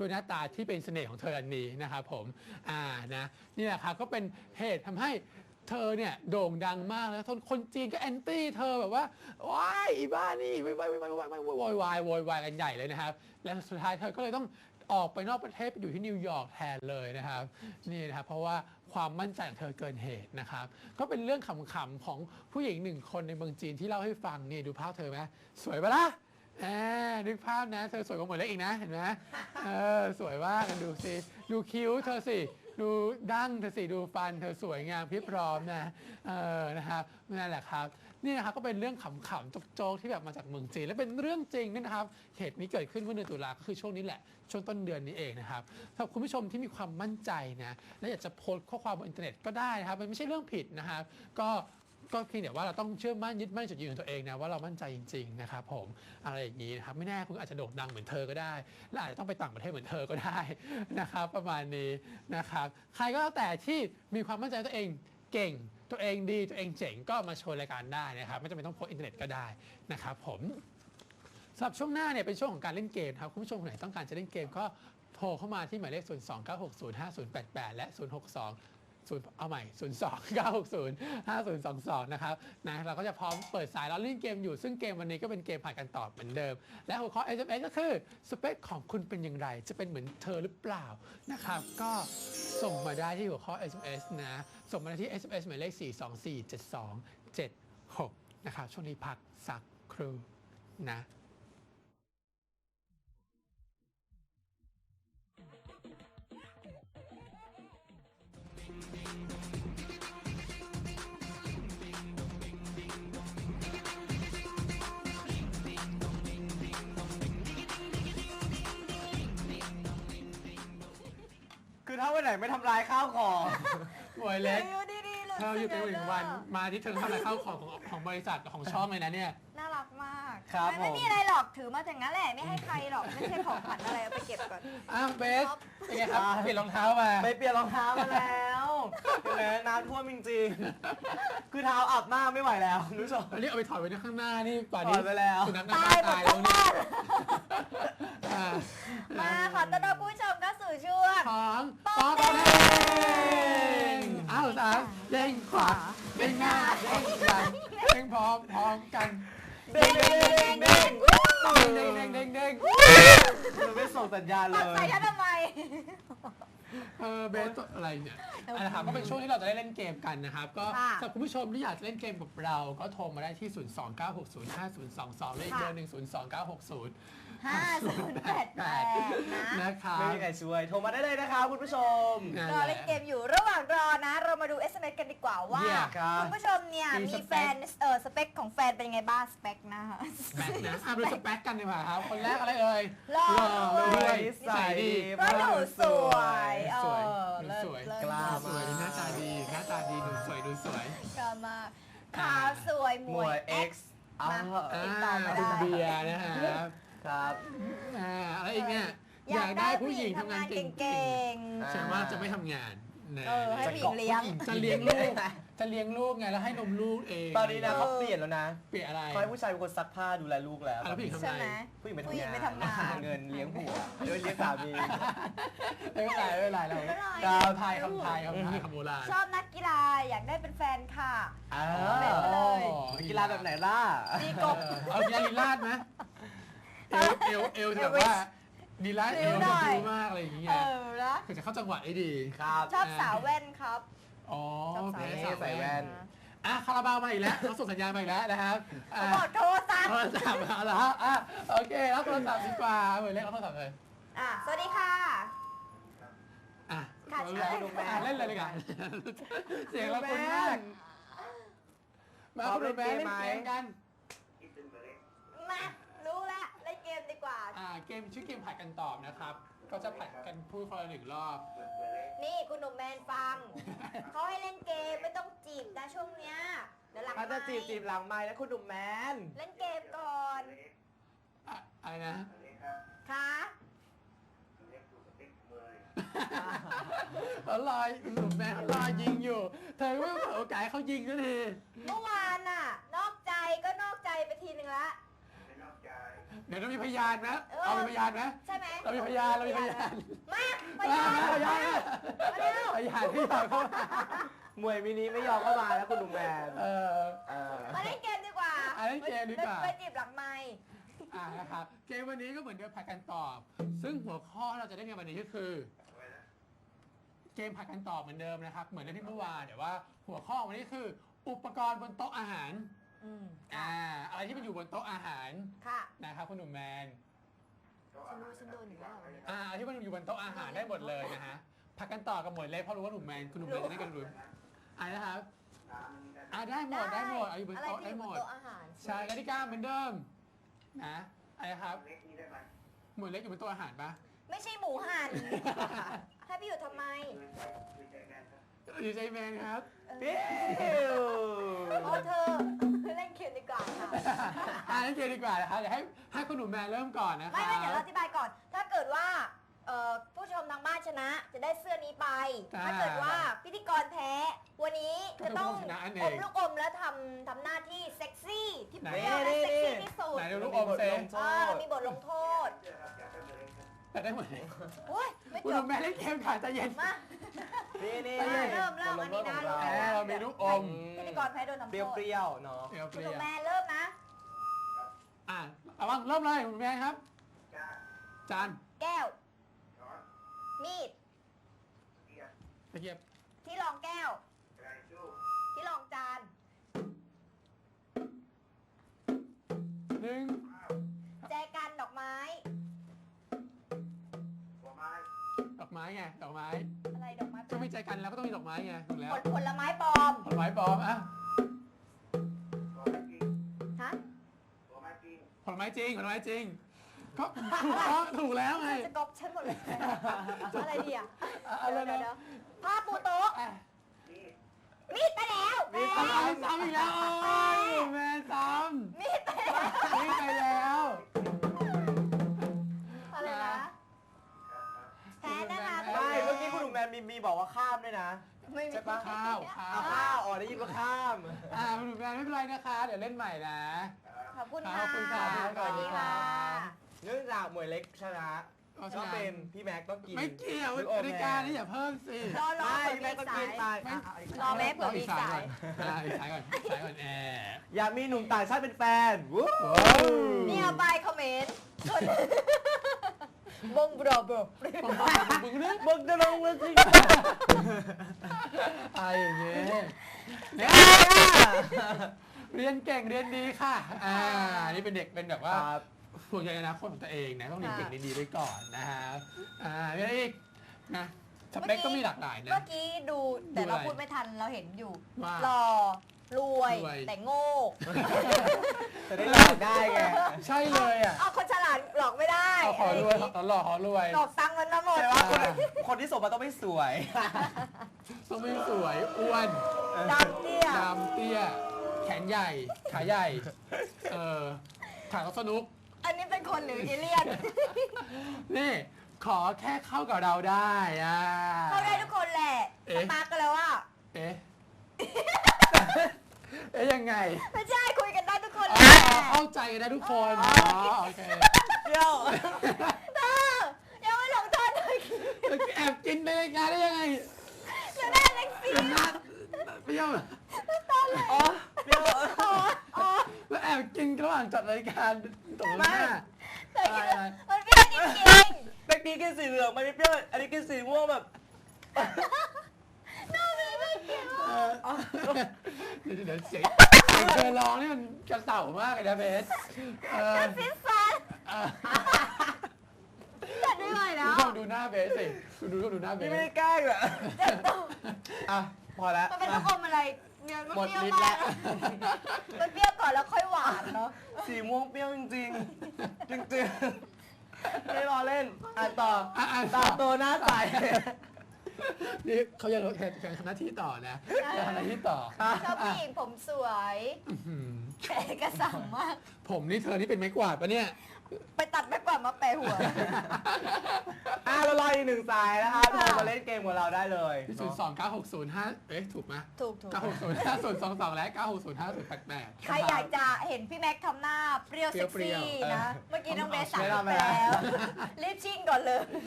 ด้วยหน้าตาที่เป็นเสน่ห์ของเธออันนี้นะครับผมนะนี่แหละครับก็เป็นเหตุทำให้เธอเนี่ยโด่งดังมากแล้วคนจีนก็แอนตี้เธอแบบว่าว้ายอีบ้านี่ไม่โวยวายกันใหญ่เลยนะครับและสุดท้ายเธอก็เลยต้องออกไปนอกประเทศไปอยู่ที่นิวยอร์กแทนเลยนะครับนี่นะครับเพราะว่าความมั่นใจของเธอเกินเหตุนะครับก็เป็นเรื่องขำๆของผู้หญิงหนึ่งคนในเมืองจีนที่เล่าให้ฟังนี่ดูภาพเธอไหมสวยปะล่ะนึกภาพนะเธอสวยกว่าหมวยเล็กอีกนะเห็นไหมสวยมากกันดูสิดูคิ้วเธอสิดูดั้งเธอสิดูฟันเธอสวยงามพริบพร้อมนะนะครับนั่นแหละครับนี่นะครับก็เป็นเรื่องขำๆโจ๊กๆที่แบบมาจากเมืองจีนและเป็นเรื่องจริงนะครับเหตุนี้เกิดขึ้นเมื่อเดือนตุลาก็คือช่วงนี้แหละช่วงต้นเดือนนี้เองนะครับสำหรับคุณผู้ชมที่มีความมั่นใจนะและอยากจะโพสต์ข้อความบนอินเทอร์เน็ตก็ได้นะครับมันไม่ใช่เรื่องผิดนะครับก็เพียงแต่ว่าเราต้องเชื่อมั่นยึดมั่นจุดยืนของตัวเองนะว่าเรามั่นใจจริงๆนะครับผมอะไรอย่างนี้นะครับไม่แน่คุณอาจจะโด่งดังเหมือนเธอก็ได้และอาจจะต้องไปต่างประเทศเหมือนเธอก็ได้นะครับประมาณนี้นะครับใครก็แล้วแต่ที่มีความมั่นใจตัวเองเก่งตัวเองดีตัวเองเจ๋งก็มาโชว์รายการได้นะครับไม่จำเป็นต้องโพสต์อินเทอร์เน็ตก็ได้นะครับผมสำหรับช่วงหน้าเนี่ยเป็นช่วงของการเล่นเกมครับคุณผู้ชมคนไหนต้องการจะเล่นเกมก็โทรเข้ามาที่หมายเลข 029605088 และ 062เอาใหม่ 029605022 นะครับนะเราก็จะพร้อมเปิดสายแล้วเล่นเกมอยู่ซึ่งเกมวันนี้ก็เป็นเกมผ่านกันตอบเหมือนเดิมและหัวข้อ SMS ก็คือสเปคของคุณเป็นอย่างไรจะเป็นเหมือนเธอหรือเปล่านะครับก็ส่งมาได้ที่หัวข้อ SMS นะส่งมาได้ที่ SMS หมายเลข 4247276 นะครับช่วงนี้พักสักครู่นะคือถ้าวันไหนไม่ทำลายข้าวของหมวยเล็กเธออยู่เป็นหนึ่งวันมาที่เธอทำอะไรเข้าของบริษัทของช่องเลยนะเนี่ยน่ารักมากครับไม่มีอะไรหรอกถือมาจากนั้นแหละไม่ให้ใครหรอกไม่ใช่ของขวัญอะไรเอาไปเก็บก่อนเบสเป็นไงครับเปลี่ยนรองเท้ามาไปเปลี่ยนรองเท้ามาแล้วเห็นไหมน้ำท่วมจริงๆคือเท้าอับมากไม่ไหวแล้วคุณผู้ชมอันนี้เอาไปถอดไว้ข้างหน้านี่ป่านถนี้อดไปแล้วสุนัขตายหมดทั้งบ้านมาขอต้อนรับผู้ชมเข้าสู่ช่วงของป๊อกเด้งสามเด้งขวาเด้งหน้าเด้งหลังเด้งพร้อมกันเด้งเด้งเด้งเด้งเราไม่ส่งสัญญาณเลปัดยใส่ฉันทำไมเบสอะไรเนี่ยนะครับก็เป็นช่วงที่เราจะได้เล่นเกมกันนะครับก็สำหรับคุณผู้ชมที่อยากจะเล่นเกมกับเราก็โทรมาได้ที่ 029605022 และอีกเบอร์หนึ่ง 029605088 นะครับไม่มีใครช่วยโทรมาได้เลยนะครับคุณผู้ชมรอเล่นเกมอยู่ระหว่างรอนะเรามาดู SMS กันดีกว่าว่าคุณผู้ชมเนี่ยมีแฟนสเปคของแฟนเป็นยังไงบ้างสเปคนะคะสเปคนะดูสเปคกันดีกว่าครับคนแรกอะไรเอ่ยหล่อด้วยใส่ดีก็หนูสวยกล้ามากหน้าตาดีดูสวยกล้ามากขาวสวยมวย X มาติดต่อมาได้คุณเบียร์นะครับครับอะไรอีกเนี่ยอยากได้ผู้หญิงทำงานเก่งๆฉันว่าจะไม่ทำงานให้ผู้หญิงเลี้ยงจะเลี้ยงลูกไงแล้วให้นมลูกเองตอนนี้นะเขาเปลี่ยนแล้วนะเปลี่ยนอะไรเขาให้ผู้ชายเป็นคนซักผ้าดูแลลูกแล้วผู้หญิงทำไงผู้หญิงไปทำงานเงินเลี้ยงผัวเลี้ยงสามีไม่เป็นไรเราไทยคำโบราณชอบนักกีฬาอยากได้เป็นแฟนค่ะกีฬาแบบไหนล่ะตีกบเอากีฬาลีลาดไหมเอวแบบว่าดีไลท์เอวจะดูมากอะไรอย่างเงี้ยคือจะเข้าจังหวะได้ดีครับชอบสาวแว่นครับอ๋อแพ้ใส่แว่นคาราบาวมาอีกแล้วเขาส่งสัญญาณมาอีกแล้วนะครับบอกโทรศัพท์มาแล้วโอเครับโทรศัพท์ดีกว่าเหมือนเล่นโทรศัพท์เลยสวัสดีค่ะเล่นเลยดีกว่าเสียงเราคุ้นมากมาคุณแม่เล่นเกมกันมารู้แล้วเล่นเกมดีกว่าเกมชื่อเกมผัดกันตอบนะครับก็จะผัดกันพูดคนละ1 รอบนี่คุณหนุ่มแมนฟังเขาให้เล่นเกมไม่ต้องจีบนะช่วงเนี้ยเดี๋ยวหลังถ้าจะจีบหลังไมค์แล้วคุณหนุ่มแมนเล่นเกมก่อนอะไรนะคะเขาลอยหนุ่มแม่เขาลอยยิงอยู่เธอไม่เผาโอกาสเขายิงก็ทีเมื่อวานน่ะนอกใจก็นอกใจไปทีนึงละเดี๋ยวเรามีพยานนะเอาเป็นพยานนะใช่ไหมเรามีพยานเรามีพยานมาพพยายานนพยานมาเร็วพยานที่อยากเข้ามามวยมินิไม่ยอมเข้ามาแล้วคุณหนุ่มแมนเออมาเล่นเกมดีกว่าเล่นเกมดีกว่าไปจีบหลังไมค์นะครับเกมวันนี้ก็เหมือนเดิมผัดกันตอบ ซึ่งหัวข้อเราจะได้ในวันนี้ก็คือ เกมผัดกันตอบเหมือนเดิมนะครับ เหมือนในที่เมื่อวานแต่ว่าหัวข้อวันนี้คือ อุปกรณ์บนโต๊ะอาหาร อะไรที่มันอยู่บนโต๊ะอาหารค่ะนะครับคุณหนุ่มแมนฉันโดนอยู่แล้วเนี่ยอะไรที่มันอยู่บนโต๊ะอาหารได้หมดเลยนะฮะผัดกันต่อกับหมดเลยเพราะรู้ว่าหนุ่มแมนคุณหนุ่มแมนจะได้กันรู้นะครับได้หมดเอาอยู่บนโต๊ะได้หมดโต๊ะอาหารใช่กติกาเหมือนเดิมนะครับหมวดเล็กอยู่บนโต๊ะอาหารปะไม่ใช่หมูหั่นให้พี่อยู่ทำไมดีใจแมนครับปิ้วโอ้เธอเล่นเกมดีกว่าค่ะเล่นเกมดีกว่านะครับเดี๋ยวให้คุณหนุ่มแมนเริ่มก่อนนะครัไม่เดี๋ยวเราอธิบายก่อน ถ้าเกิดว่าผู้ชมทางบ้านชนะจะได้เสื้อนี้ไป ถ้าเกิดว่าพิธีกรแพ้ วันนี้จะต้องอมลูกอมแล้วทำหน้าที่เซ็กซี่ที่เปรี้ยวและเซ็กซี่ที่สุดไหนดูลูกอมเซเรามีบทลงโทษแต่ได้หมดเลยโอ้ยไม่คุณจหนุ่บมแมนเล่นเกมขาใจเย็นมานี่เริ่มอันนี้นะเรามีลูกอมพิธีกรแพ้โดนทำเปโทษรี้ยวๆเนาะเปรี้ยวคุณหนุ่มแม่เริ่มนะเอาบ้างเริ่มเลยคุณหนุ่มแมนครับจานแก้ว มีดตะเกียบที่รองแก้ว ที่รองจานหนึ่งแจกันดอกไม้ดอกไม้ไงดอกไม้อะไรดอกไม้ก็ไม่ใจกันแล้วก็ต้องมีดอกไม้ไงถูกแล้วผลไม้ปลอมผลไม้ปลอมอ่ะฮะผลไม้จริงก็ถูกแล้วไงจะกอบฉันหมดเลยอะไรดีอ่ะอะไรนะเดี๋ยวผ้าปูโต๊ะ มีดไปแล้วมีซ้ำอีกแล้วโอ้ยแม่ซ้มีดไปแล้วำนี่ไปแล้วอะไรนะแพ้นะคะไม่เมื่อกี้คุณหนุ่มแมนมีบอกว่าข้ามด้วยนะไม่มีใช่ปะข้าวเอาข้าวได้ยินว่าข้ามคุณหนุ่มแมนไม่เป็นไรนะคะ เดี๋ยวเล่นใหม่นะขอบคุณขค่ะอบคุณค่ะสวัสดีค่ะเนื่องจากหมวยเล็กชนะก็ชก็นะเป็นพี่แม็กต้องกินไม่เกี่ยวลูกอมรายการนี้อย่าเพิ่มสิรอไม่เผื่พี่อแม็มีกต้องสากินยไปรอแม่เผื่อมีสายอีกสายก่อนแอร์อยากมีหนุ่มต่างชาติเป็นแฟนวู้นี่เอาไปคอมเมนต์บงบรอบรมึงเนี่ยมึงจะลงเลยสิอะไรอย่างเงี้ยเนี่ยเรียนเก่งเรียนดีค่ะนี่เป็นเด็กเป็นแบบว่าห่วงใยอนาคตของตัวเองนะต้องเรียนเก่งเรียนดีไว้ก่อนนะฮะมีอะไรอีกนะสเปคก็มีหลากหลายนะเมื่อกี้ดูแต่ดูอะไรเราพูดไม่ทันเราเห็นอยู่ว่าหล่อรวยรวยแต่โง่จะได้หลอกได้ไงใช่เลยอ่ะเอาคนฉลาดหลอกไม่ได้ขอรวยขอหล่อขอรวยหลอกตังค์มันมาหมดใช่ว่าคนที่ส่งมาต้องไม่สวยต้องไม่สวยอ้วนดำเตี้ยดำเตี้ยแขนใหญ่ขาใหญ่ขาสนุกอันนี้เป็นคนหรือเอเลี่ยนนี่ขอแค่เข้ากับเราได้เข้าได้ทุกคนแหละเอ๊ะสตาร์ทกันแล้วว่าเอ๊ะ ยังไงไม่ใช่คุยกันได้ทุกคนอ๋แหอละเข้าใจกันได้ทุกคนโอเคเดี๋ยวเธอยังไม่ลงโทษเลยแอบกินในรายการได้ยังไงจะได้เล็กซี่เป็นนัดเปรี้ยวอ๋อเดี๋ยวอ๋อแล้วแอบกินระหว่างจัดรายการตรงหน้าแต่คิดว่ามันเปรี้ยวจริงเมื่อกี้กินสีเหลืองมันไม่เปรี้ยวอันนี้กินสีม่วงแบบๆน่าไม่เกี่ยวเดี๋ยวเสียงเธอร้องนี่มันกระเต่ามากเลยนะเบสซิสซันจัดไม่ไหวแล้คุณวผู้ชมดูหน้าเบสสิคุณดูหน้าเบนี่สไม่ได้แกล้งเหรอเจ็บตัวอ่ะพอแล้วมันเป็นลูกอมอะไรเนี่ยมันหมดเปรี้ยวฤทธิ์มาแล้กวมันเปรี้ยวก่อนแล้วค่อยหวานเนาะสีม่วงเปรี้ยวจริงๆ จริงๆไม่รอเล่นอ่านต่อต่อตาโตหน้าใสนี่เขาจะแข่งทำหน้าที่ต่อนะจะทำหน้าที่ต่อชอบผู้หญิงผมสวยแต่เอกสารมากผมนี่เธอนี่เป็นไม้กวาดปะเนี่ยไปตัดไปกว่ามาแปะหัวเรารออีกอีกหนึ่งสายนะคะโทรมาเล่นเกมกับเราได้เลยที่0296005ถูกไหมถูก 9605022และ9605088 ใครอยากจะเห็นพี่แม็กซ์ทำหน้าเปรี้ยวเซ็กเปรี้ซี่ยวๆนะ เมื่อกี้น้องเบสสั่งไม่ไปทำไปแล้วแล้ว รีบชิ่งก่อนเลย